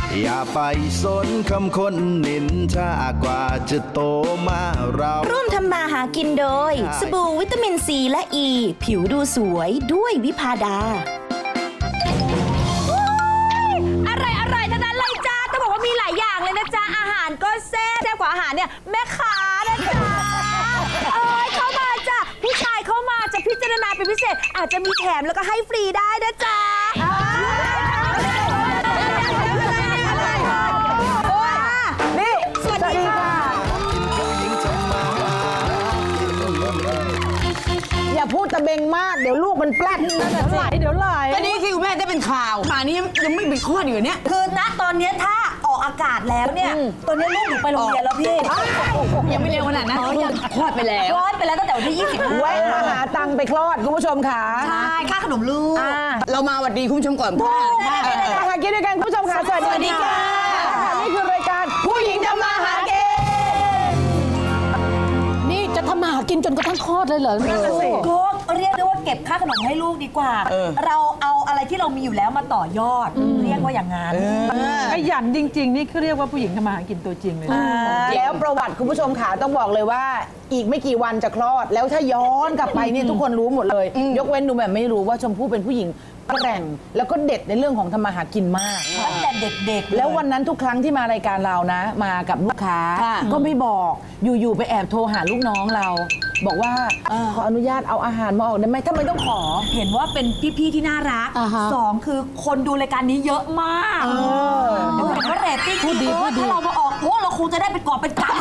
อย่าไปสนคำคนนินทากว่าจะโตมาเราร่วมทำมาหากินโดย สบู่วิตามินซีและอ e, ีผิวดูสวยด้วยวิภาดาอร่อยทั้งนั้นเลยจ้าจะบอกว่ามีหลายอย่างเลยนะจ๊ะอาหารก็แซ่บกว่าอาหารเนี่ยแม่ค้านะจ๊ะเข้ามาจ้ะผู้ชายเข้ามาจะพิจารณาเป็นพิเศษอาจจะมีแถมแล้วก็ให้ฟรีได้นะจ๊ะนี่สวัสดีค่ะอย่าพูดตะเบงมากเดี๋ยวลูกมันแปลดเดี๋ยวไหลก็นี่ที่คุณแม่ได้เป็นข่าวป่านนี้ยังไม่มีข้ออยู่เนี่ยคือณตอนนี้ถ้าออกอากาศแล้วเนี่ยตอนนี้ลูกหนูไปโรงเรียนแล้วพี่ยังไม่เร็วขนาดนั้นคลอดไปแล้วตั้งแต่วันที่25 แวะมาหาตังค์ไปคลอดคุณผู้ชมค่ะใช่ค่าขนมลูกเรามาหวัดดีคุณผู้ชมก่อนมาหากินด้วยกันคุณผู้ชมค่ะสวัสดีค่ะนี่คือรายการผู้หญิงทำมาหากินนี่จะทำมาหากินจนกระทั่งคลอดเลยเหรอก็เรียกได้ว่าเก็บค่าขนมให้ลูกดีกว่าเราเอาอะไรที่เรามีอยู่แล้วมาต่อยอดเรียกว่าอย่างนั้นขยันจริงๆนี่คือเรียกว่าผู้หญิงทำมาหากินตัวจริงเลยแล้วประวัติคุณผู้ชมค่ะต้องบอกเลยว่าอีกไม่กี่วันจะคลอดแล้วถ้าย้อนกลับไปเนี่ยทุกคนรู้หมดเลยยกเว้นหนูแบบไม่รู้ว่าชมพู่เป็นผู้หญิงแกร่งแล้วก็เด็ดในเรื่องของทำมาหากินมากตั้งแต่เด็กๆแล้ววันนั้นทุกครั้งที่มารายการเรานะมากับลูกค้าก็ไม่บอกอยู่ๆไปแอบโทรหาลูกน้องเราบอกว่าขออนุญาตเอาอาหารมาออกได้ไหมทำไมต้องขอเห็นว่าเป็นพี่ๆที่น่ารัก2คือคนดูรายการนี้เยอะมากเห็นว่าเรตติ้งดีถ้าเรามาออกเราคงจะได้เป็นกอบเป็นกำ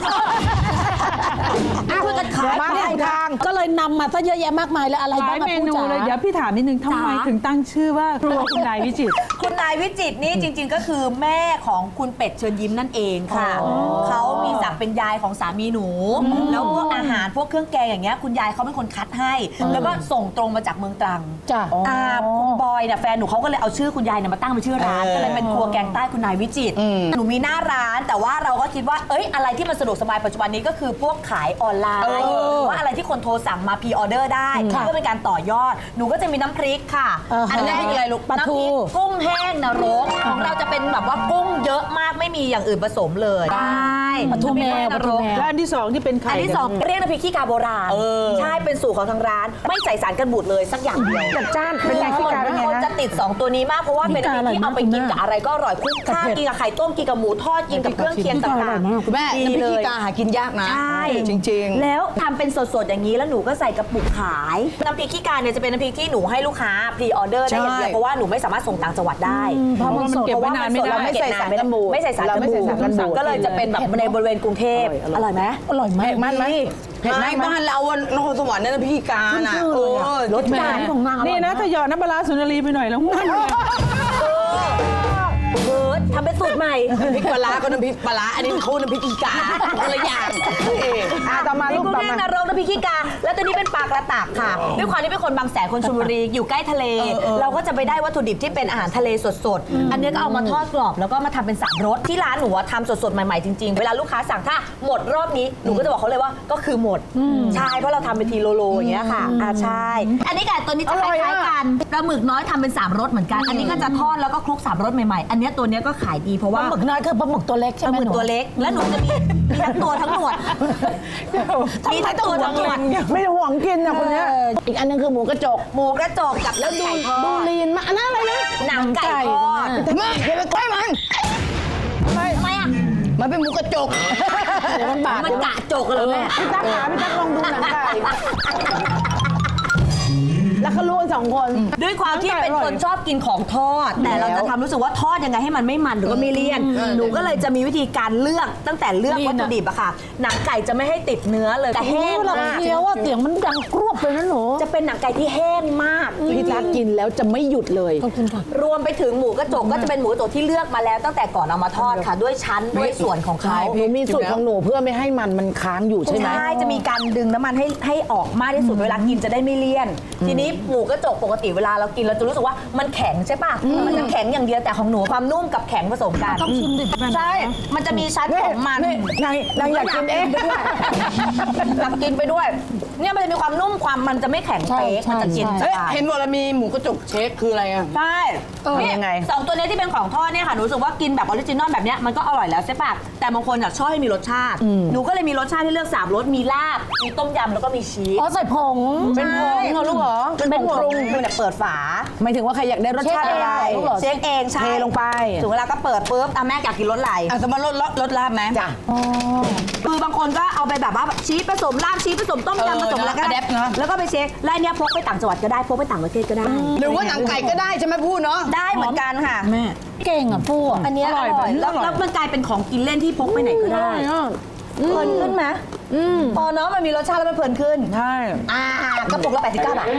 ช่วยกันขายมาในทางก็เลยนำมาซะเยอะแยะมากมายแล้วอะไรบ้างมาพูดจ๋าเลยเดี๋ยวพี่ถามนิดนึงทำไมถึงตั้งชื่อว่าครัวคุณนายวิจิตรคุณนายวิจิตรนี่จริงๆก็คือแม่ของคุณเป็ดเชิญยิ้มนั่นเองค่ะเขามีศักดิ์เป็นยายของสามีหนูแล้วพวกอาหารพวกเครื่องแกงอย่างเงี้ยคุณยายเขาเป็นคนคัดให้แล้วก็ส่งตรงมาจากเมืองตรังจ้ะคุณบอยเนี่ยแฟนหนูเขาก็เลยเอาชื่อคุณยายเนี่ยมาตั้งเป็นชื่อร้านก็เลยเป็นครัวแกงใต้คุณนายวิจิตรหนูมีหน้าร้านแต่ว่าเราก็คิดว่าอะไรที่มันสะดวกสบายปัจจุบันนี้ก็คือพวกขายออนไลน์ว่าอะไรที่คนโทรสั่งมาพรีออเดอร์ได้เพื่อเป็นการต่อยอดหนูก็จะมีน้ำพริกค่ะอันนี้เป็นอะไรลูกน้ำพริกกุ้งแห้งนรกของเราจะเป็นแบบว่ากุ้งเยอะมากไม่มีอย่างอื่นผสมเลยได้ปลาทูแม่นรกแล้วอันที่2ที่เป็นไข่อันที่2เรียกน้ำพริกขี้กาโบราณใช่เป็นสูตรของทางร้านไม่ใส่สารกันบูดเลยสักอย่างเดียวจัดจ้านเป็นไงขี้กาเป็นไงนะจะติด2ตัวนี้มากเพราะว่าเป็นน้ำพริกที่เอาไปกินกับอะไรก็อร่อยคุ้มค่ากินกับไข่ต้มกินกับหมูทอดกินกับเครื่องเคียงต่างๆคุณแม่น้ำพริกขี้กาหากินยากนะใช่จริงๆแล้วทำเป็นสดๆอย่างนี้แล้วหนูก็ใส่กระปุกขายน้ำพริกขี้กาเนี่ยจะเป็นน้ำพริกที่หนูให้ลูกค้าพรีออเดอร์ได้อย่างเดียวเพราะว่าหนูไม่สามารถส่งต่างจังหวัดได้เพราะมันเก็บไว้นานไม่ได้ไม่ใส่สารกันบูดไม่ใส่สารกันบูดก็เลยจะเป็นแบบในบริเวณกรุงเทพอร่อยไหมอร่อยมากมันไหมเห็นไหมบ้านเรานครสวรรค์นั่นน้ำพริกขี้กาน่ะรสจานของนางนี่นะถ้าหยอดน้ำปลาสุนารีไปหน่อยแล้วง่ายเลยทำเป็นสูตรใหม่พริกปลาก็น้ำพริกปลาอันนี้เขาน้ำพริกขี้กาคนละอย่างต่อมาลูกต่อมานรกน้ำพริกขี้กาแล้วตัวนี้เป็นปลากระตักค่ะด้วยความที่เป็นคนบางแสนคนชลบุรีอยู่ใกล้ทะเลเราก็จะไปได้วัตถุดิบที่เป็นอาหารทะเลสดๆอันนี้ก็เอามาทอดกรอบแล้วก็มาทำเป็น3รสที่ร้านหนูทำสดๆใหม่ๆจริงๆเวลาลูกค้าสั่งถ้าหมดรอบนี้หนูก็จะบอกเขาเลยว่าก็คือหมดใช่เพราะเราทำเป็นทีโลอย่างเงี้ยค่ะใช่อันนี้กับตัวนี้จะคล้ายๆกันปลาหมึกน้อยทำเป็น3รสเหมือนกันอันนี้ก็จะทอดแล้วก็คลุก3รสใหม่ๆอันนี้ตัวนี้ก็ขายดีเพราะว่าปลาหมึกน้อยคือปลาหมึกตัวเล็กใช่ไหมปลาหมึกตัวเล็กแล้วหนูจะมีทั้งตัวทั้งหนวดมีทั้งตัวทั้งหนวดไม่ห่วงกินนะคนนี้อีกอันนึงคือหมูกระจกกับแล้วดูลีนมาอันนั้นอะไรนะหนังไก่ทอดแม่อย่าไปใกล้มันทำไมอ่ะมันเป็นหมูกระจกมันกะจกเลยแม่พี่ตั๊กลองดูหนังไก่แล้วเขาล้วน2 คนด้วยความที่เป็นคนชอบกินของทอดแต่เราจะทำรู้สึกว่าทอดยังไงให้มันไม่มันหรือว่าไม่เลี่ยนหนูก็เลยจะมีวิธีการเลือกตั้งแต่เลือกวัตถุดิบอะค่ะหนังไก่จะไม่ให้ติดเนื้อเลยแต่แห้งมากเคี้ยวว่าเสียงมันดังกรวบเลยนะหนูจะเป็นหนังไก่ที่แห้งมากพี่ตั๊กกินแล้วจะไม่หยุดเลยขอบคุณค่ะรวมไปถึงหมูกระจกก็จะเป็นหมูกระจกที่เลือกมาแล้วตั้งแต่ก่อนเอามาทอดค่ะด้วยชั้นด้วยส่วนของเขามีสูตรของหนูเพื่อไม่ให้มันค้างอยู่ใช่ไหมใช่จะมีการดึงน้ำมันให้ออกมากที่สุดเวลากินจะได้ไม่เลี่ยนทีนี้หมูกระจกปกติเวลาเรากินเราจะรู้สึกว่ามันแข็งใช่ป่ะมันจะแข็งอย่างเดียวแต่ของหนูความนุ่มกับแข็งผสมกันต้องชิมดิใช่มันจะมีชั้นของมันนางอยากกินเองไปด้วยอยากกินไปด้วยเนี่ยมันจะมีความนุ่มความมันจะไม่แข็งเป๊กมันจะกินสเฮ้ยบายเห็นว่าเรามีหมูกระจกเชคคืออะไรอ่ะใช่เป็นยังไงสองตัวเนี้ยที่เป็นของทอดเนี่ยค่ะหนูรู้สึกว่ากินแบบออริจินอลแบบเนี้ยมันก็อร่อยแล้วใช่ปะแต่บางคนชอบให้มีรสชาติหนูก็เลยมีรสชาติที่เลือก3รสมีลาบมีต้มยำแล้วก็มีชีสอ๋อใส่ผงเป็นผงเหรอลูกเหรอเป็นผงปรุงเป็นแบบเปิดฝาหมายถึงว่าใครอยากได้รสชาติอะไรลูกเหรอเช็คเองใช่เทลงไปถึงเวลาก็เปิดปุ๊บแม่อยากกินรสอะไรอ่ะสมมติรสลาบไหมจ้ะคือบางคนก็เอาไปแบบว่าชีสผสมลาบชีสผสมต้มยำผสมแล้วก็ adapt เนอะแล้วก็ไปเช็คแล้วอันเนี้ยพกไปต่างจังหวัดก็ได้พกไปต่างประเทศก็ได้หรือว่าหนังไก่ก็ได้ใช่ไหมพูดเนาะได้เหมือนกันค่ะแม่เก่งอ่ะปู่อะอันเนี้ยอร่อยแล้วมันกลายเป็นของกินเล่นที่พกไปไหนก็ได้เพลินขึ้นไหมพอเนาะมันมีรสชาติแล้วมันเพลินขึ้นใช่กระปุกละ89 บาท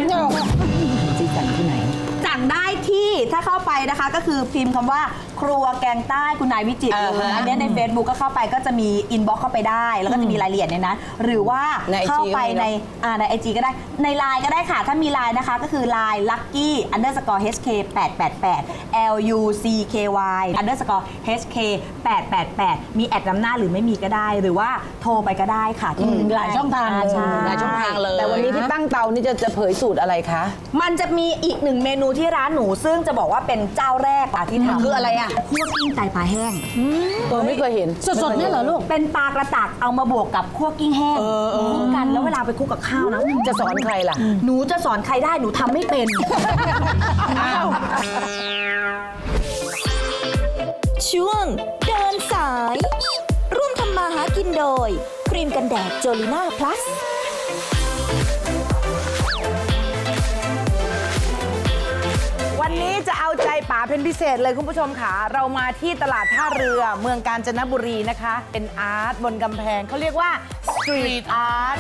สั่งได้ที่ถ้าเข้าไปนะคะก็คือพิมพ์คำว่าครัวแกงใต้คุณนายวิจิตรเลยอันเนี้ยใน Facebook ก็เข้าไปก็จะมีอินบ็อกเข้าไปได้ แล้วก็จะมีรายละเอียดในนั้นหรือว่าใน IG เข้าไปก็มีเนอะใน IG ก็ได้ใน Line ก็ได้ค่ะ ถ้ามี Line นะคะก็คือ Line lucky underscore hk 888 lucky underscore hk 888มีแอดนำหน้าหรือไม่มีก็ได้ หรือว่าโทรไปก็ได้ค่ะที่หลายช่องทางเลยใช่หลายช่องทางเลยแต่วันนี้ที่ตั้งเตานี่จะเผยสูตรอะไรคะมันจะมีอีกหนึ่งเมนูที่ร้านหนูซึ่งจะบอกว่าเป็นเจ้าแรกที่ทำคืออะไรอ่ะคั่วกิ้งไตปลาแห้งไม่เคยเห็นสดๆเนี่ยเหรอลูกเป็นปลากระตักเอามาบวกกับคั่วกิ้งแห้งคลุกกันแล้วเวลาไปคลุกกับข้าวนะจะสอนใครล่ะหนูจะสอนใครได้หนูทำไม่เป็นช่วงเดินสาย ร่วมทำมาหากินโดย ครีมกันแดดโจลิน่าพลัสวันนี้จะเอาใจป๋าเป็นพิเศษเลยคุณผู้ชมค่ะ เรามาที่ตลาดท่าเรือเมืองกาญจนบุรีนะคะ เป็นอาร์ตบนกำแพงเขาเรียกว่าสตรีทอาร์ต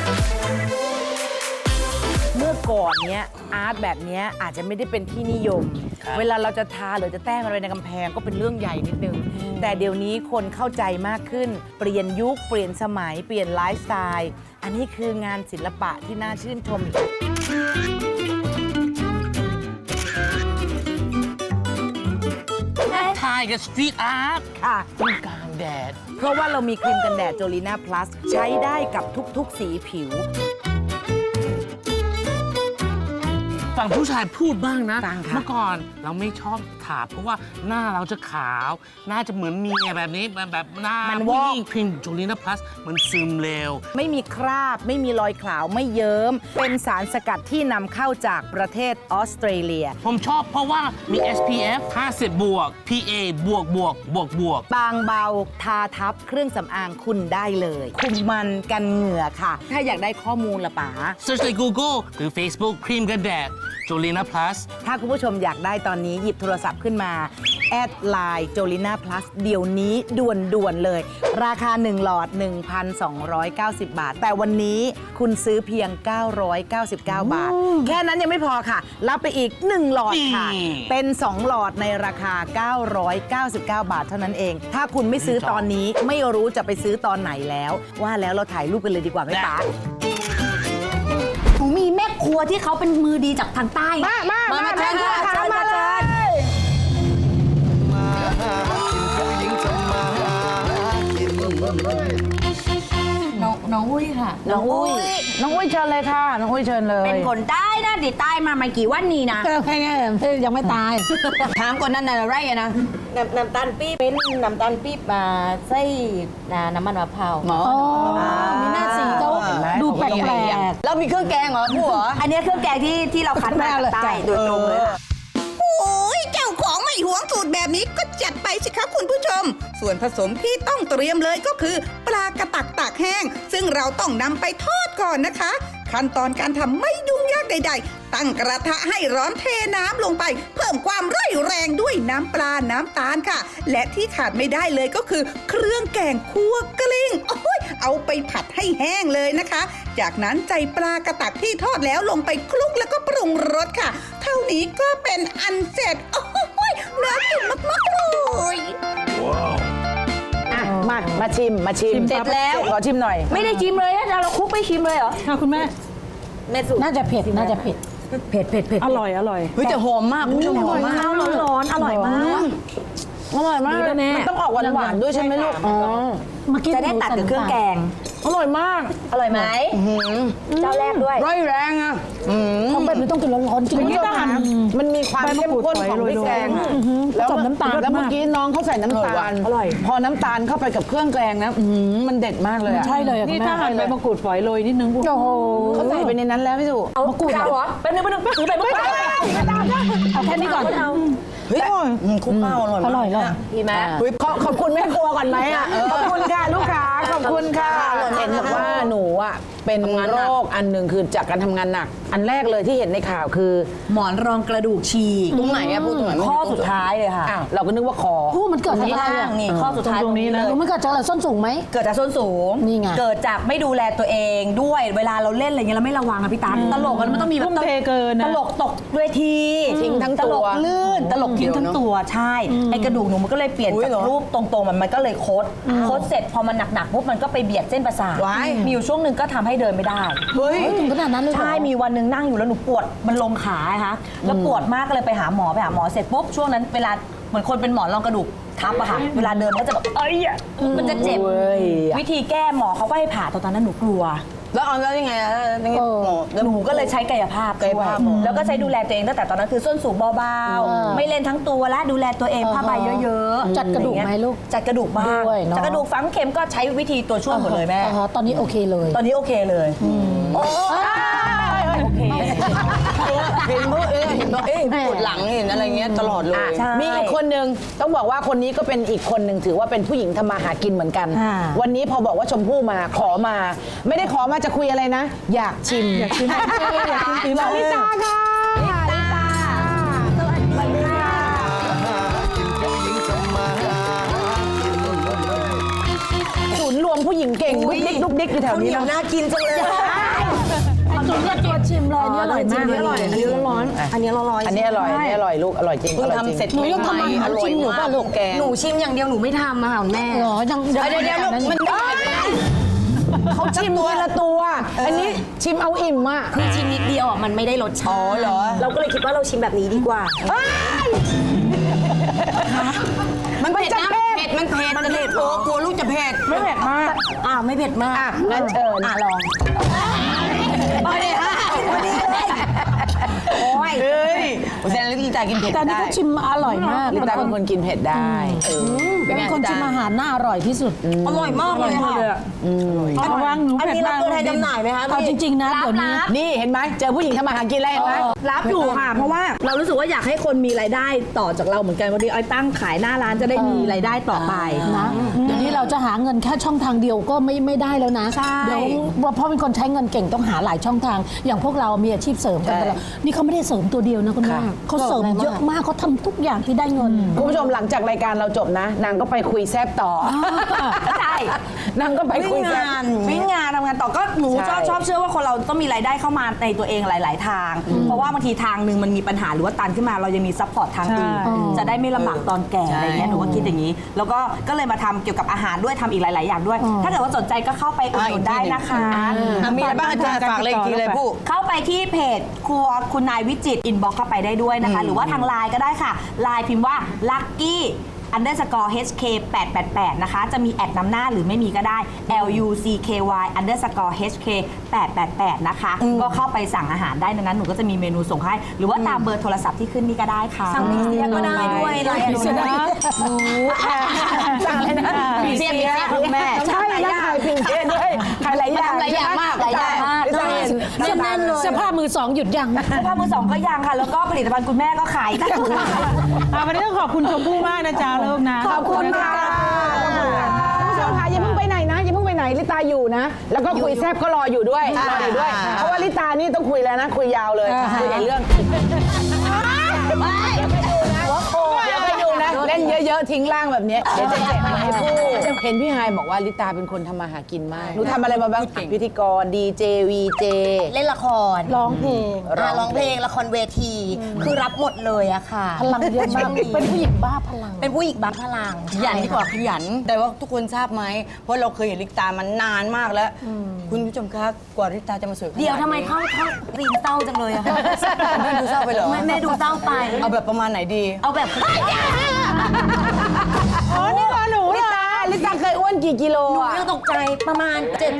เมื่อก่อนเนี้ยอาร์ตแบบเนี้ยอาจจะไม่ได้เป็นที่นิยม เวลาเราจะทาหรือจะแต้มอะไรในกำแพงก็เป็นเรื่องใหญ่นิดนึง แต่เดี๋ยวนี้คนเข้าใจมากขึ้น เปลี่ยนยุคเปลี่ยนสมัยเปลี่ยนไลฟ์สไตล์อันนี้คืองานศิลปะที่น่าชื่นชมถ่ายกับสตรีทอาร์ตค่ะต้องกลางแดดเพราะว่าเรามีครีมกันแดดโจลิน่าพลัสใช้ได้กับทุกๆสีผิวฝั่งผู้ชายพูดบ้างนะต่างค่ะเมื่อก่อนเราไม่ชอบถาเพราะว่าหน้าเราจะขาว หน้าจะเหมือนเมียแบบนี้แบบหน้าผู้หญิงครีมจูลิน่าพลัสมันซึมเร็วไม่มีคราบ ไม่มีรอยขาวไม่เยิ้ม เป็นสารสกัดที่นำเข้าจากประเทศออสเตรเลียผมชอบเพราะว่ามี SPF 50 บวก PA บวกบวกบวกบวกบางเบาทาทับเครื่องสำอางคุณได้เลย คุมมันกันเหงื่อค่ะ ถ้าอยากได้ข้อมูลละป๋า Search ใน Google หรือ Facebook ครีมกันแดดจูลิน่าพลัสถ้าคุณผู้ชมอยากได้ตอนนี้หยิบโทรศัพท์ขึ้นมา แอดไลน์โจลิน่าพลัสเดี๋ยวนี้ด่วนๆเลย ราคา 1 หลอด 1,290 บาท แต่วันนี้คุณซื้อเพียง 999 บาท แค่นั้นยังไม่พอค่ะ รับไปอีก 1 หลอดค่ะนี่เป็น 2 หลอดในราคา 999 บาทเท่านั้นเอง ถ้าคุณไม่ซื้อตอนนี้ไม่รู้จะไปซื้อตอนไหนแล้ว ว่าแล้วเราถ่ายรูปกันเลยดีกว่าไหมป๋าหนูมีแม่ครัวที่เขาเป็นมือดีจากทางใต้มาเชิญค่ะเชิญมาเลยมาหากินผู้หญิงทำมาหากินน้องอุ้ยค่ะน้องอุ้ยเชิญเลยค่ะ น้องอุ้ยเชิญเลยเป็นคนใต้นะดิใต้มาไม่กี่วันนี้นะก็แค่นี้ยังไม่ตายถามก่อนนั่นน่ะไรอะนะน้ำตาลปี๊บเป็นน้ำตาลปี๊บมาใส่น้ำมันมะพร้าวอ๋อ มีหน้าสีเขาเห็นไหมดูแปลกแล้วมีเครื่องแกงเหรอผู้เหรออันนี้เครื่องแกงที่เราคัดมาจากใต้โดยตรงเลยค่ะโอ้ยเจ้าของไม่หวงสูตรแบบนี้ก็จัดไปสิครับคุณผู้ชม ส่วนผสมที่ต้องเตรียมเลยก็คือ ปลากระตักตากแห้ง ซึ่งเราต้องนำไปทอดก่อนนะคะ ขั้นตอนการทำไม่ยุ่งยากใดๆ ตั้งกระทะให้ร้อนเทน้ำลงไป เพิ่มความร่อยแรงด้วยน้ำปลาน้ำตาลค่ะ และที่ขาดไม่ได้เลยก็คือ เครื่องแกงคั่วกลิ้งโอ้ยเอาไปผัดให้แห้งเลยนะคะ จากนั้นใจปลากระตักที่ทอดแล้วลงไปคลุกแล้วก็ปรุงรสค่ะ เท่านี้ก็เป็นอันเสร็จโอ้ยน่ากินมากๆเลยมาชิมเสร็จแล้วขอชิมหน่อยไม่ได้ชิมเลยนะเราคลุกไม่ชิมเลยเหรอค่ะคุณแม่แม่สุน่าจะเผ็ด น่าจะเผ็ดเผ็ดเผ็ดเผ็ดอร่อยอร่อยเฮ้ยแต่หอมมากคุณผู้ชมหอมมากข้าวร้อนๆอร่อยมากอร่อยมากเลยมันต้องออกหวานๆด้วยใช่ไหมลูกอ๋อมากินจะได้ตัดกับเครื่องแกงอร่อยมากอร่อยไหมเจ้าแรกด้วยร้อยแรงอ่ะของแบบนี้ต้องกินร้อนๆจริงคุณผู้ชมคะมันมีความเข้มข้นของพริกแกงแล้วผสมน้ำตาลแล้วเมื่อกี้น้องเขาใส่น้ำตาลอร่อยพอน้ำตาลเข้าไปกับเครื่องแกงนะมันเด็ดมากเลยอะใช่เลยอะนี่คุณแม่ถ้าหั่นใบมะกรูดฝอยโรยนิดนึงโอ้โหเขาใส่ไปในนั้นแล้วพี่สุเอามะกรูดเหรอแป๊บนึงถือไปมะกรูดเอาแค่นี้ก่อนเฮ้ยคุกข้าวอร่อยอร่อยเลยดีไหมขอบคุณแม่ครัวก่อนไหมอะขอบคุณค่ะลูกค้าขอบคุณค่ะเห็นบอกว่าหนูอะเป็นโรคอันหนึ่งคือจากการทำงานหนัก อันแรกเลยที่เห็นในข่าวคือหมอนรองกระดูกฉีกตรงไหนอะพูดตรงไหนข้อสุดท้ายเลยค่ะอ้าวเราก็นึกว่าคอพูดมันเกิดจากนี่อะไรล่าอะงนี่ข้อสุดท้ายตรงนี้เลยรู้มันเกิดจากอะไรส้นสูงไหมเกิดจากส้นสูงนี่ไงเกิดจากไม่ดูแลตัวเองด้วยเวลาเราเล่นอะไรเงี้ยเราไม่ระวังอะพี่ตาตลกมันต้องมีแบบทุ่มเทเกินนะตลกตกเวทีทิ้งทั้งตตัลวกลื่นตลกทิ้งทั้งตัวใช่ไอ้กระดูกหนูมันก็เลยเปลี่ยนจากรูปตรงๆมันก็เลยคดเสร็จพอมันหนักๆปุ๊บมันก็ไปเบียดเส้นประสาทมีอยู่ช่วงหนึ่งก็ทำให้เดินไม่ได้เฮ้ยถึงขนาดนั้นเลยเหรอใช่มีวันหนึ่งนั่งอยู่แล้วหนูปวดมันลงขาค่ะแล้วปวดมากก็เลยไปหาหมอเสร็จปุ๊บช่วงนั้นเวลาเหมือนคนเป็นหมอนรองกระดูกทับอะค่ะเวลาเดินมันก็จะแบบมันจะเจ็บวิธีแก้หมอเขาก็ให้ผ่าตอนนั้นหนูกลัวแล้วเอาแล้วยังไงอะหมอหนูก็เลยใช้กายภาพช่วยแล้วก็ใช้ดูแลตัวเองตั้งแต่ตอนนั้นคือส้นสูงเบาๆไม่เล่นทั้งตัวและดูแลตัวเองผ้าใบเยอะๆจัดกระดูกไหมลูกจัดกระดูกบ้างด้วยเนอะจัดกระดูกฝังเข็มก็ใช้วิธีตัวช่วยหมดเลยแม่ตอนนี้โอเคเลยตอนนี้โอเคเลยโอ้โอเคเห็นว่าปวดหลังเห็นอะไรเงี้ยตลอดเลยใช่มีอีกคนนึงต้องบอกว่าคนนี้ก็เป็นอีกคนหนึ่งถือว่าเป็นผู้หญิงทำมาหากินเหมือนกัน วันนี้พอบอกว่าชมพู่มาขอมา ไม่ได้ขอมาจะคุยอะไรนะ อยากชิมอยากชิมฝีมือลิตาค่ะลิตาสวัสดีค่ะ ศูนย์รวมผู้หญิงเก่งดุ๊กดิ๊กดุ๊กดิ๊กอยู่แถวนี้นะน่ากินจังเลยเอาตัวเลือกตัวชิมเลยนี่อร่อยมากอันนี้อร่อย อันนี้ร้อนๆอันนี้ร้อนๆอันนี้อร่อย อันนี้อร่อยลูก อร่อยจริงเพิ่งอร่อยจริงทำเสร็จหนูยังทำอาหารชิมอยู่ป่ะลูกแกงหนูชิมอย่างเดียวหนูไม่ทำอะค่ะคุณแม่เหรอยังเดี๋ยวลูกมันเขาชิมทีละตัว อันนี้ชิมเอาอิ่มอ่ะคือชิมนิดเดียวอ่ะมันไม่ได้รสชาติอ๋อเหรอเราก็เลยคิดว่าเราชิมแบบนี้ดีกว่ามันเผ็ดนะเผ็ดมันเผ็ดมันเผ็ดโอ้กลัวลูกจะเผ็ดไม่เผ็ดมากไม่เผ็ดมากอ่ะงั้นเชิญลองไปเลยค่ะโอ้ยเฮ้ยแสดงว่าลิตากินเผ็ดแต่นี่ได้ก็ชิมอร่อยมากลิตาเป็นคนกินเผ็ดได้เป็นเป็นไงคนชิมอาหารน่าอร่อยที่สุดอร่อยมากเลยค่ะระวังหนูอันเผ็ดนี้เรามากตัวแทนจำหน่ายไหมคะเอาจริงๆนะเดี๋ยวนี้นี่เห็นไหมเจอผู้หญิงทำมาหากินแล้วเห็นไหมรับอยู่ค่ะ เพราะว่าเรารู้สึกว่าอยากให้คนมีรายได้ต่อจากเราเหมือนกันวันนี้อ้อยตั้งขายหน้าร้านจะได้มีรายได้ต่อไปนะเดี๋ยวนี้เราจะหาเงินแค่ช่องทางเดียวก็ไม่ได้แล้วนะใช่เดี๋ยวเพราะเป็นคนใช้เงินเก่งต้องหาหลายช่องทาง อย่างพวกเรามีอาชีพเสริมกันตลอดนี่เขาไม่ได้เสริมตัวเดียวนะคุณแม่เขาเสริมเยอะมากเขาทำทุกอย่างที่ได้เงินคุณผู้ชมหลังจากรายการเราจบนะ นางก็ไปคุยแซบต่อใช่นางก็ไปคุยแซบวิ่งงานทำงานต่อก็หนูใช่ชอบเชื่อว่าคนเราต้องมีรายได้เข้ามาในตัวเองหลาย ๆ ทาง เพราะว่าบางทีทางหนึ่งมันมีปัญหาหรือว่าตันขึ้นมาเรายังมีซัพพอร์ตทางอื่นจะได้ไม่ลำบากตอนแก่อะไรเงี้ยหนูว่าคิดอย่างนี้ แล้วก็เลยมาทำเกี่ยวกับอาหารด้วยทำอีกหลาย ๆ อย่างด้วย ถ้าเกิดว่าสนใจก็เข้าไปอุดหนุนได้นะคะมีอะไรบ้างอาจารย์ฝากเลยอีกทีเลยผู้เข้าไปที่เพจครัวคุณนายวิจิตรอินบ็อกเข้าไปได้ด้วยนะคะ หรือว่าทางไลน์ก็ได้ค่ะไลน์พิมพ์ว่า lucky _hk 888นะคะจะมีแอดนำหน้าหรือไม่มีก็ได้ lucky _hk 888นะคะก็เข้าไปสั่งอาหารได้ในนั้นหนูก็จะมีเมนูส่งให้หรือว่าตามเบอร์โทรศัพท์ที่ขึ้นนี่ก็ได้ค่ะสั่งพิเศษก็ได้ด้วยไลน์พิเศษนะสั่งเลยนะพิเศษแม่ใช่แล้วขายพิเศษด้วยขายหลายอย่างหลายอย่างมากหลายอย่างมากใช่แน่นเลยเสื้อผ้ามือสองหยุดยังเสื้อผ้ามือสองก็ยังค่ะ แล้วก็ผลิตภัณฑ์คุณแม่ก็ขายได้วันนี้ต้องขอบคุณชมพู่มากนะจ๊ะลูกนะขอบคุณค่ะคุณผู้ชมค่ะอย่าเพิ่งไปไหนนะอย่าเพิ่งไปไหนลิตาอยู่นะ แล้วก็คุยแซบก็รออยู่ด้วยรออยู่ด้วย เพราะว่าลิตานี่ต้องคุยแล้วนะ คุยยาวเลยคุยในเรื่องเดี๋ยวไปดูนะเล่นเยอะๆทิ้งร่างแบบเนี้ยเดี๋ยวจะเจ็บให้พูดเห็นพี่ไฮายบอกว่าลิตาเป็นคนทำมาหากินมากหนูทำอะไรมาบ้างพิธีกรดีเจวีเจเล่นละครร้องเพลงร้องเพลงละครเวที คือรับหมดเลยอะค่ะพลังเยอะมากเป็นผู้หญิงบ้าพลังเป็นผู้หญิงบ้าพลังขยันดีกว่าขยัน แต่ว่าทุกคนทราบไหม เพราะเราเคยเห็นลิตามันนานมากแล้ว คุณผู้ชมคะกว่าลิตาจะมาสวยขนาเดี๋ยวทำไมเข้ารีมเศร้าจังเลยอะค่ะแม่ดูเศร้าไปเหรอแม่ดูเศร้าไปเอาแบบประมาณไหนดีเอาแบบอ๋อนี่เหรอหนูลิตาเคยอ้วนกี่กิโลหนูอ่ะยังตกใจประมาณ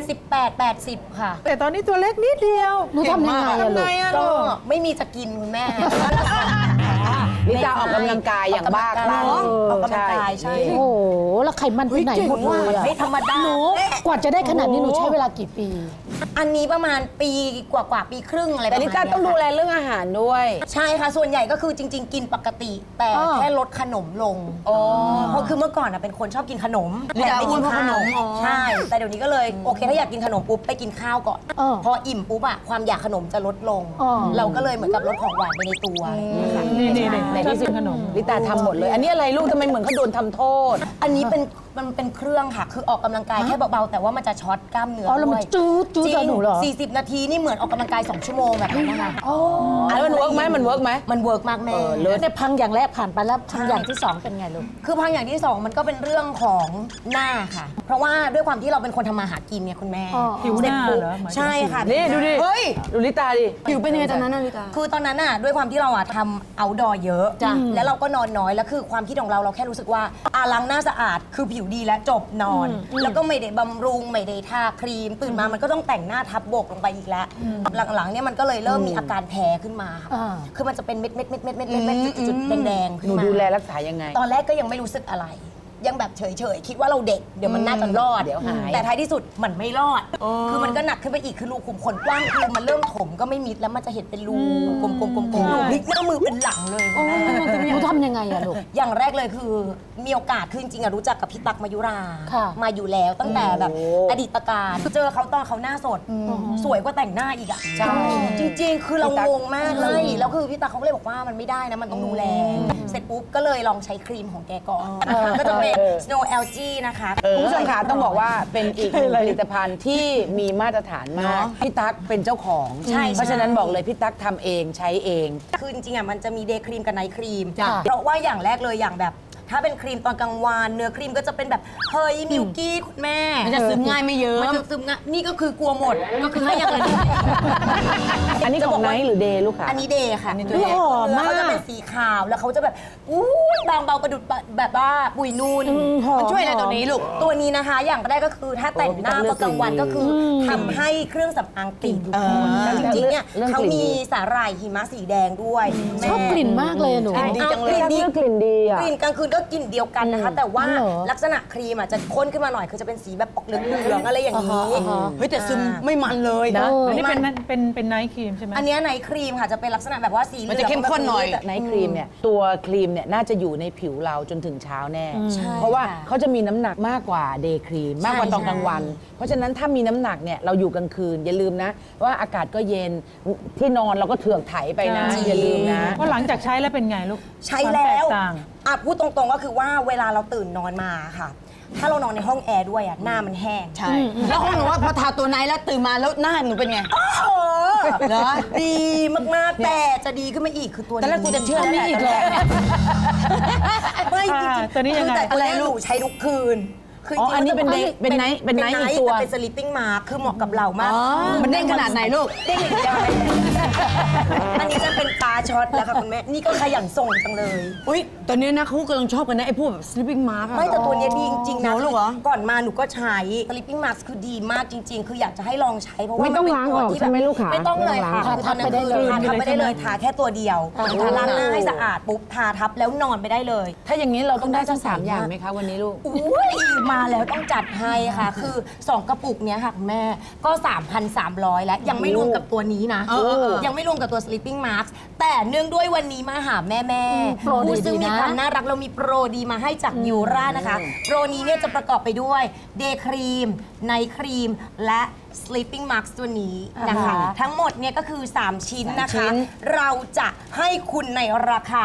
78-80 ค่ะแต่ตอนนี้ตัวเล็กนิดเดียวหนูทำยังไงอะลูกก็ไม่มีจะกินคุณแม่ลิตาออกกำลังกายอย่างบ้าคลั่งออกกำลังกายใช่โอ้โหแล้วไขมันไปไหนหมดเลยอะไม่ธรรมดาหนูกว่าจะได้ขนาดนี้หนูใช้เวลากี่ปีอันนี้ประมาณปีกว่าปีครึ่งอะไรประแต่มาณลิเนี้ยตาต้องดูแลเรื่องอาหารด้วยใช่ค่ะ ส่วนใหญ่ก็คือจริง ๆ กินปกติ แต่อ๋อแค่ลดขนมลงเพราะคือเมื่อก่อนเป็นคนชอบกินขนมลิตาไม่อ้วนเพราะขนมใช่ แต่เดี๋ยวนี้ก็เลยโอเคถ้าอยากกินขนมปุ๊บไปกินข้าวก่อน พออิ่มปุ๊บอะความอยากขนมจะลดลง เราก็เลยเหมือนกับลดของหวานไปในตัวนะคะนี่ในที่สุดขนมลิตาทำหมดเลย อันนี้อะไรลูกทำไมเหมือนเขาโดนทำโทษอันนี้มันเป็นเครื่องค่ะ คือออกกำลังกายแค่เบาๆแต่ว่ามันจะช็อตกล้ามเนื้ออ๋อแล้วมันด้วยจู๊ดจู๊ดจริกับงหนูเหรอ 40 นาทีนี่เหมือนออกกำลังกาย 2 ชั่วโมงแบบนั้นนะคะแล้วมันเวิร์กไหมมันเวิร์กไหมมันเวิร์กมากแม่เนี่ยพังอย่างแรกผ่านไปแล้วพังอย่างที่สองเป็นไงลูกคือพังอย่างที่ 2 มันก็เป็นเรื่องของหน้าค่ะ เพราะว่าด้วยความที่เราเป็นคนทำมาหากินเนี่ยคุณแม่อ๋อผิวหน้าเหรอหมายถึงใช่ค่ะนี่ดูดิเฮ้ยดูลิตาดิผิวเป็นยังไงตอนนั้นนะลิตาคือตอนนั้นน่ะด้วยความที่เราทำเอาดอเยอะแล้วเราก็นอนน้อยแล้วคือความคิดของเราแค่รู้สึกว่าล้างหน้าสะอาดคือผิวดีและจบนอน แล้วก็ไม่ได้บำรุงไม่ได้ทาครีม ตื่นมามันก็ต้องแต่งหน้าทับบกลงไปอีกแล้ว หลังๆเนี่ยมันก็เลยเริ่มมีอาการแพ้ขึ้นมาค่ะอ่าคือมันจะเป็นเม็ดจุดๆแดงๆขึ้หนูนมาดูแลรักษายังไงตอนแรกก็ยังไม่รู้สึกอะไร ยังแบบเฉยๆ คิดว่าเราเด็กเดี๋ยวมันน่าจะรอดเดี๋ยวหายแต่ท้ายที่สุดมันไม่รอด คือมันก็หนักขึ้นไปอีกคือรูขุมขนกว้างคือมันเริ่มถมก็ไม่มิดแล้วมันจะเห็นเป็นรูกลมๆพลิกหน้ามือเป็นหลังเลยหนูทำยังไงอะลูกอย่างแรกเลยคือมีโอกาสคือจริงๆอะรู้จักกับพี่ตั๊กมายุราค่ะมาอยู่แล้วตั้งแต่แบบอดีตการเจอเขาตอนเขาหน้าสด สวยกว่าแต่งหน้าอีกอะใช่จริง ๆ คือเรางงมากเลยแล้วคือพี่ตั๊กเขาก็เลยบอกว่ามันไม่ได้นะมันต้องดูแลเสร็จปุ๊บก็เลยลองใช้ครีมของแกก่อนก็จะเป็น Snow Algae นะคะคุณผู้ชมคะต้องบอกว่าเป็นอีกหนึ่งผลิตภัณฑ์ที่มีมาตรฐานมากพี่ตั๊กเป็นเจ้าของใช่เพราะฉะนั้นบอกเลยพี่ตั๊กทำเองใช้เองคือจริงๆอ่ะมันจะมีเดย์ครีมกับไนท์ครีมจ้ะเพราะว่าอย่างแรกเลยอย่างแบบ ถ้าเป็นครีมตอนกลางวันเนื้อครีมก็จะเป็นแบบเฮ้ยมิลกี้คุณแม่มันจะซึมง่ายไม่เยอะมันจะซึมง่ายนี่ก็คือกลัวหมดก็คือให้อย่างละนิดอันนี้ของไนท์หรือเดย์ลูกค่ะอันนี้เดย์ค่ะเฮ้ยหอมมากเขาจะเป็นสีขาวแล้วเขาจะแบบอู้ยบางเบาประดุดแบบว่าปุยนูนหอมมันช่วยอะไรตัวนี้ลูกตัวนี้นะคะ อย่างแรกก็คือถ้าแต่งหน้าตอนกลางวันก็คือทำให้เครื่องสำอางติดแล้วจริงๆเนี่ยเรื่องเขากลิ่นมีสาหร่ายหิมะสีแดงด้วยชอบกลิ่นมากเลยอะหนูดีจังเลยกลิ่นดีกลิ่นดีอ่ะกลิ่นกลางคืนก็กลิ่นเดียวกันนะคะ แต่ว่าเหรอลักษณะครีมอ่ะจะข้นขึ้นมาหน่อยคือจะเป็นสีแบบออกเหลืองๆอะไรอย่างนี้เฮ้ยแต่ซึมไม่มันเลยนะอันนี้เป็นไนท์ครีมใช่ไหมอันเนี้ยไนท์ครีมค่ะจะเป็นลักษณะแบบว่าสีเหลืองมันจะเข้มข้นหน่อยแบบไนท์ครีมเนี่ยตัวครีมเนี่ยน่าจะอยู่ในผิวเราจนถึงเช้าแน่ใช่เพราะว่าค่ะเขาจะมีน้ำหนักมากกว่าเดย์ครีมมากกว่าตอนกลางวัน เพราะฉะนั้นถ้ามีน้ำหนักเนี่ยเราอยู่กลางคืนอย่าลืมนะว่าอากาศก็เย็นที่นอนเราก็เถือกไถไปนะใช่อย่าลืมนะว่าหลังจากใช้แล้วเป็นไงลูกใช้แล้วความตกต่างพูดตรงๆก็คือว่าเวลาเราตื่นนอนมาค่ะ ถ้าเรานอนในห้องแอร์ด้วยอ่ะหน้ามันแห้งใช่ แล้วของหนูว่าพอทาตัวไนท์แล้วตื่นมาแล้วหน้าหนูเป็นไงเหรอดีมากๆ แต่จะดีขึ้นมาอีกคือตัวนี้ตอนแรกกูจะเชื่อแล้วแหละอีกแล้วไม่จริงๆตัวนี้ยังไงคือแต่ตัวนี้หนูใช้ทุกคืน คือจริงๆอันนี้เป็นมัจะเป็นไนท์เป็นไนท์อีกตัวแต่เป็น sleeping mask คือเหมาะกับเรามากมันเด้งขนาดไหนลูกเด้งอย่างเดียวเลยอันนี้จะเป็นตาช็อตแล้วค่ะคุณแม่นี่ก็ขยันส่งจังเลยอุ้ยตอนนี้นะเขากำลังชอบกันนะไอ้พวกแบบ sleeping mask อะไม่แต่ตัวเนี้ยดีจริงๆนะหนูเหรอก่อนมาหนูก็ใช้ sleeping mask คือดีมากจริง ๆ คืออยากจะให้ลองใช้เพราะว่าไม่ต้องนเป็นล้างตัวออกที่ใช่ไหมลูกขาไม่ต้องเลยค่ะทาทับไปได้เลยทาทับไปได้เลยทาแค่ตัวเดียวทาล้างหน้าให้สะอาดปุ๊บทาทับแล้วนอนไปได้เลยถ้าอย่างนี้เราต้องได้ทั้ง3อย่างไหมคะวันนี้ลูกอุ้ยมาแล้วต้องจัดให้ค่ะ คือ 2 กระปุกเนี้ยค่ะคุณแม่ก็ 3,300 แล้วยังไม่รวมกับตัวนี้นะ ยังไม่รวมกับตัว sleeping mask แต่เนื่องด้วยวันนี้มาหาแม่ๆโปรดีผู้ซึ่งดีมีนะความน่ารักเรามีโปรดีมาให้จากยูรานะคะ โปรนี้เนี่ยจะประกอบไปด้วยเดย์ครีมไนท์ครีมและ sleeping mask ตัวนี้นะคะ ทั้งหมดเนี่ยก็คือ 3 ชิ้นนะคะ เราจะให้คุณในราคา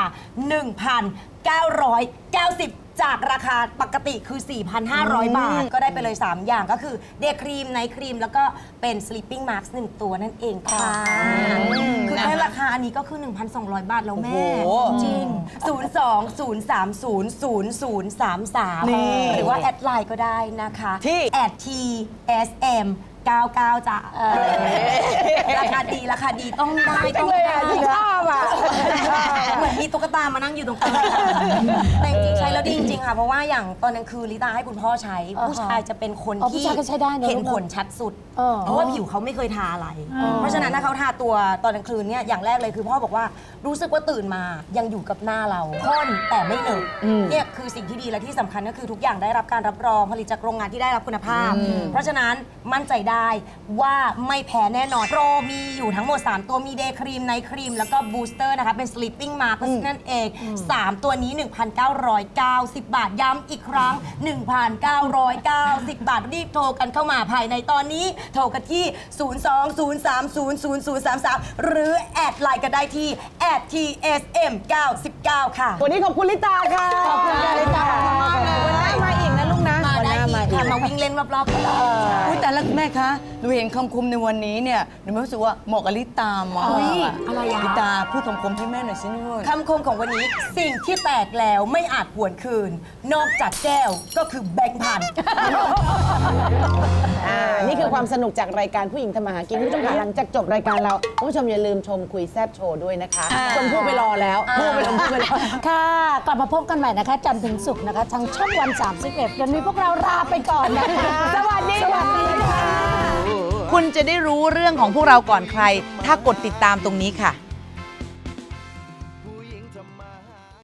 1,990 จากราคาปกติคือ 4,500 บาท ก็ได้ไปเลย 3 อย่างก็คือเดย์ครีมไนท์ครีมแล้วก็เป็น sleeping mask 1 ตัวนั่นเองค่ะคือแค่ราคาอันนี้ก็คือ 1,200 บาทแล้วแม่ จริง 02-030-0033 หรือว่าแอดไลน์ก็ได้นะคะที่ @tsm 99จ้ะราคาดีต้องได้ต้องได้ชอบอ่ะเหมือนมีตุ๊กตามานั่งอยู่ตรงกลางแต่จริงๆใช้แล้วดีจริงๆค่ะเพราะว่าอย่างตอนนั้นคือลิตาให้คุณพ่อใช้ผู้ชายจะเป็นคนผู้ที่ชายก็ใช้ได้นะเห็นผลชัดสุดเพราะว่าผิวเขาไม่เคยทาอะไร เพราะฉะนั้นถ้าเขาทาตัวตอนกลางคืนเนี่ยอย่างแรกเลยคือพ่อบอกว่ารู้สึกว่าตื่นมายังอยู่กับหน้าเราข้นแต่ไม่เหนอะเนี่ยคือสิ่งที่ดีและที่สำคัญก็คือทุกอย่างได้รับการรับรองผลิตจากโรงงานที่ได้รับคุณภาพ เพราะฉะนั้นมั่นใจได้ว่าไม่แพ้แน่นอนโปรมีอยู่ทั้งหมด 3 ตัวมีเดย์ครีมไนท์ครีมแล้วก็บูสเตอร์นะคะเป็น sleeping mask นั่นเอง 3 ตัวนี้ 1,990 บาทย้ำอีกครั้ง 1,990 บาทรีบโทรกันเข้ามาภายในตอนนี้โทรกันที่ 02-030-0033 หรือแอดไลน์กันได้ที่ @tsm99 ค่ะวันนี้ขอบคุณลิตาค่ะ ขอบคุณลิตาวันหน้ามาอีกนะลูกนะมาได้อีกค่ะมาวิ่งเล่นรอบๆกันได้อุ๊ยแต่ละแม่คะหนูเห็นคำคมในวันนี้เนี่ยหนูรู้สึกว่าเหมาะกับลิตามากอะไรอะลิตาพูดคำคมให้แม่หน่อยสิลูกคำคมของวันนี้สิ่งที่แตกแล้วไม่อาจหวนคืน นอกจากแก้วก็คือแบงค์พันนี่คือความสนุกจากรายการผู้หญิงทำมาหากินคุณผู้ชมค่ะหลังจากจบรายการเราคุณผู้ชมอย่าลืมชมคุยแซบโชว์ด้วยนะคะชมพู่ไปรอแล้วพู่ไปรอค่ะ กลับมาพบกันใหม่นะคะ จันทร์ถึงศุกร์นะคะ ทางช่องวัน 31วันนี้พวกเราลาไปก่อนนะคะสวัสดีค่ะคุณจะได้รู้เรื่องของพวกเราก่อนใคร ถ้ากดติดตามตรงนี้ค่ะ